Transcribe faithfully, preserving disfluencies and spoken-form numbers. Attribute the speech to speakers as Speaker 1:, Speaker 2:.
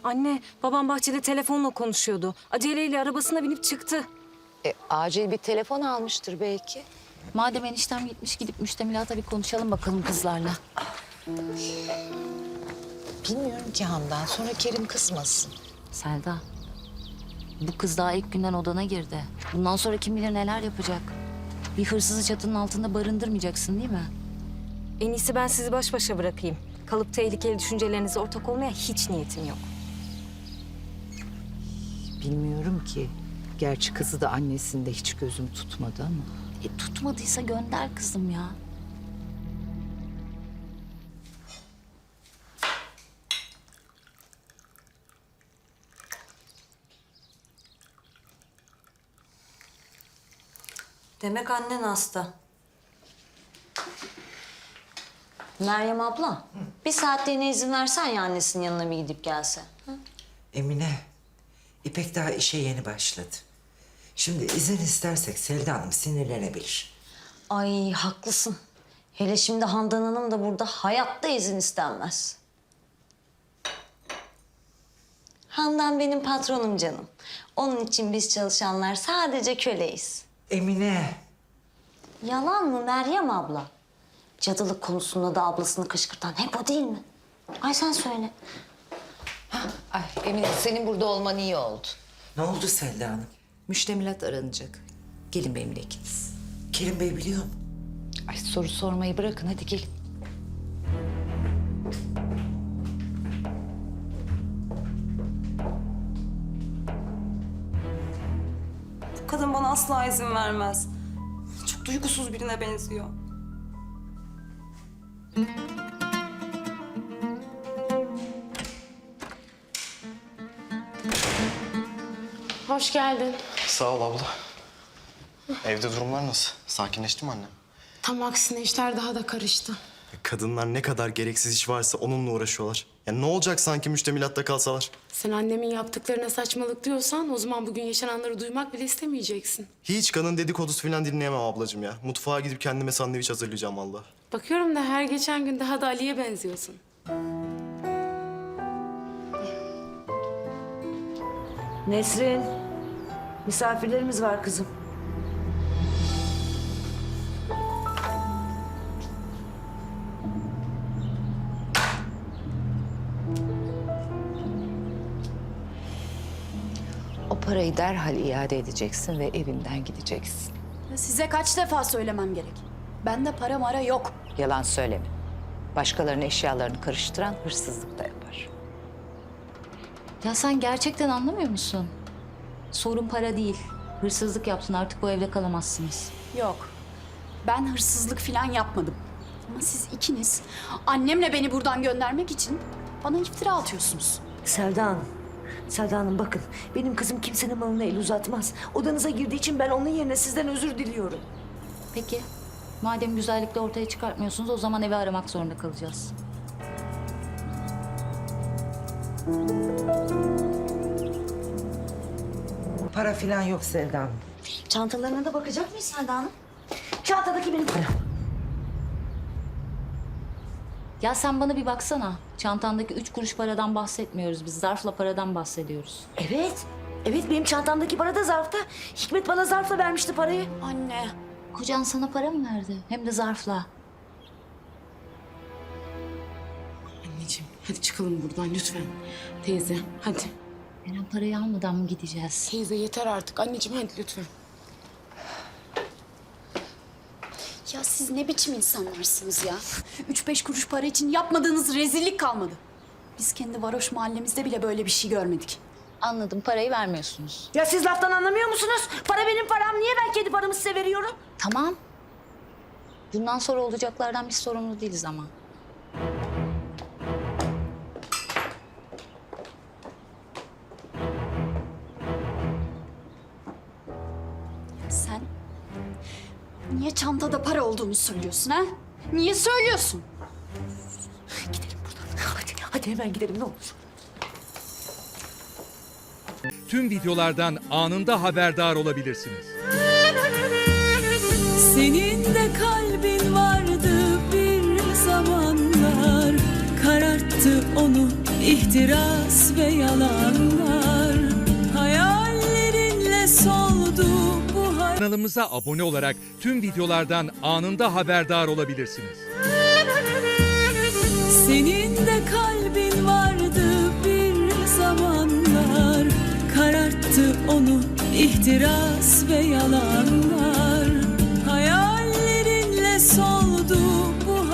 Speaker 1: Anne, babam bahçede telefonla konuşuyordu. Aceleyle arabasına binip çıktı.
Speaker 2: E, acil bir telefon almıştır belki.
Speaker 3: Madem eniştem gitmiş, gidip müştemilata bir konuşalım bakalım kızlarla.
Speaker 2: Bilmiyorum ki Handan. Sonra Kerim kızmasın.
Speaker 3: Selda, bu kız daha ilk günden odana girdi. Bundan sonra kim bilir neler yapacak. Bir hırsızı çatının altında barındırmayacaksın değil mi?
Speaker 1: En iyisi ben sizi baş başa bırakayım. Kalıp tehlikeli düşüncelerinize ortak olmaya hiç niyetim yok.
Speaker 2: Bilmiyorum ki. Gerçi kızı da annesinde hiç gözüm tutmadı ama.
Speaker 3: E, tutmadıysa gönder kızım ya.
Speaker 4: Demek annen hasta. Meryem abla, bir saatliğine izin versen ya annesinin yanına bir gidip gelse. Hı?
Speaker 5: Emine, İpek daha işe yeni başladı. Şimdi izin istersek Selda Hanım sinirlenebilir.
Speaker 4: Ay haklısın. Hele şimdi Handan Hanım da burada hayatta izin istenmez. Handan benim patronum canım. Onun için biz çalışanlar sadece köleyiz.
Speaker 5: Emine,
Speaker 4: Yalan mı Meryem abla? Cadılık konusunda da ablasını kışkırtan hep o değil mi? Ay sen söyle.
Speaker 2: Ay Emine senin burada olman iyi oldu.
Speaker 5: ne oldu Selda Hanım?
Speaker 2: Müştemilat aranacak. Gelin benimle ikiniz.
Speaker 5: Kerim Bey biliyor mu?
Speaker 2: Ay soru sormayı bırakın hadi gelin.
Speaker 6: Bu kadın bana asla izin vermez. Çok duygusuz birine benziyor.
Speaker 7: Hoş geldin.
Speaker 8: Sağ ol abla. Evde durumlar nasıl? Sakinleşti mi annem?
Speaker 7: Tam aksine işler daha da karıştı.
Speaker 8: Kadınlar ne kadar gereksiz iş varsa onunla uğraşıyorlar. Ya ne olacak sanki müştemilatta kalsalar?
Speaker 7: Sen annemin yaptıklarına saçmalık diyorsan o zaman bugün yaşananları duymak bile istemeyeceksin.
Speaker 8: Hiç kadın dedikodusu falan dinleyemem ablacığım ya. Mutfağa gidip kendime sandviç hazırlayacağım vallahi.
Speaker 7: Bakıyorum da her geçen gün daha da Ali'ye benziyorsun.
Speaker 9: Nesrin, misafirlerimiz var kızım.
Speaker 2: O parayı derhal iade edeceksin ve evinden gideceksin.
Speaker 10: Size kaç defa söylemem gerek? Bende para mara yok.
Speaker 2: Yalan söyleme. Başkalarının eşyalarını karıştıran hırsızlık da yapar.
Speaker 3: Ya sen gerçekten anlamıyor musun? Sorun para değil. Hırsızlık yaptın, artık bu evde kalamazsınız.
Speaker 10: Yok. Ben hırsızlık falan yapmadım. Ama siz ikiniz annemle beni buradan göndermek için bana iftira atıyorsunuz.
Speaker 9: Selda Hanım, Selda Hanım bakın benim kızım kimsenin malına el uzatmaz. Odanıza girdiği için ben onun yerine sizden özür diliyorum.
Speaker 3: Peki, madem güzellikle ortaya çıkartmıyorsunuz o zaman evi aramak zorunda kalacağız.
Speaker 5: Para falan yok Selda Hanım.
Speaker 4: Çantalarına da bakacak mıyız Selda Hanım?
Speaker 9: Çantadaki benim param.
Speaker 3: Ya sen bana bir baksana. Çantandaki üç kuruş paradan bahsetmiyoruz biz. Zarfla paradan bahsediyoruz.
Speaker 9: Evet, evet benim çantamdaki para da zarfta. Hikmet bana zarfla vermişti parayı.
Speaker 10: Anne.
Speaker 3: Kocan sana para mı verdi? Hem de zarfla.
Speaker 7: Anneciğim hadi çıkalım buradan lütfen. Teyze hadi.
Speaker 3: Eren parayı almadan mı gideceğiz?
Speaker 7: Teyze yeter artık. Anneciğim hadi lütfen.
Speaker 10: Ya siz ne biçim insanlarsınız ya? Üç beş kuruş para için yapmadığınız rezillik kalmadı. Biz kendi varoş mahallemizde bile böyle bir şey görmedik.
Speaker 3: Anladım, parayı vermiyorsunuz.
Speaker 9: Ya siz laftan anlamıyor musunuz? Para benim param. Niye ben kendi paramı size veriyorum?
Speaker 3: Tamam. Bundan sonra olacaklardan biz sorumlu değiliz ama.
Speaker 10: Sen niye çantada para olduğunu söylüyorsun ha? Niye söylüyorsun?
Speaker 9: Gidelim buradan. Hadi, hadi hemen gidelim ne olur.
Speaker 11: Tüm videolardan anında haberdar olabilirsiniz.
Speaker 12: Senin de kalbin vardı bir zamanlar, kararttı onu ihtiras ve yalanlar hayallerinle soldu bu hayat.
Speaker 11: Kanalımıza abone olarak tüm videolardan anında haberdar olabilirsiniz.
Speaker 12: Senin de kalbin vardı bir zamanlar, kararttı onu ihtiras ve yalanlar hayallerinle soldu